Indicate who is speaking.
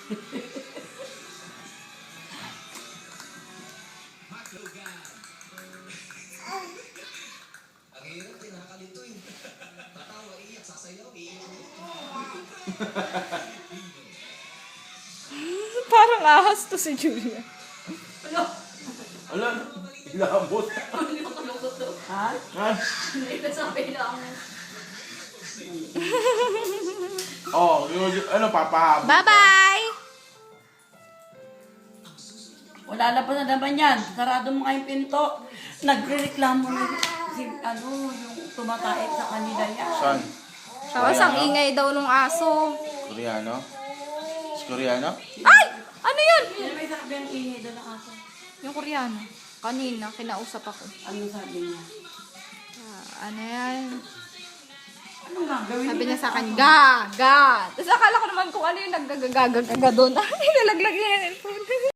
Speaker 1: Ang hirap din, nakakalito eh. Tatawa, iyak, sasayaw, iyak.
Speaker 2: Parang ahas to si Julia.
Speaker 3: Ala, ilabot.
Speaker 4: Ha?
Speaker 3: Ha?
Speaker 4: Ito sabi lang.
Speaker 3: Oh, ano, papahaba.
Speaker 2: Bye-bye!
Speaker 4: Wala na pa na naman yan. Sarado mo nga yung pinto. Nagre-reklamo na yung tumatait sa kanila yan.
Speaker 3: Saan?
Speaker 2: Tapos ang ingay daw nung aso.
Speaker 3: Koreano? Si Koreano?
Speaker 2: Ay! Ano yun?
Speaker 4: Yan may sabi ang ingay doon ng aso.
Speaker 2: Yung Koreano. Kanina, kinausap ako.
Speaker 4: Ano sabi niya?
Speaker 2: Ano yan?
Speaker 4: Anong gagawin
Speaker 2: Sabi niya sa akin, ga! Tapos akala ko naman kung ano yung naggagagaga doon. Ay, nalaglag niya yung phone.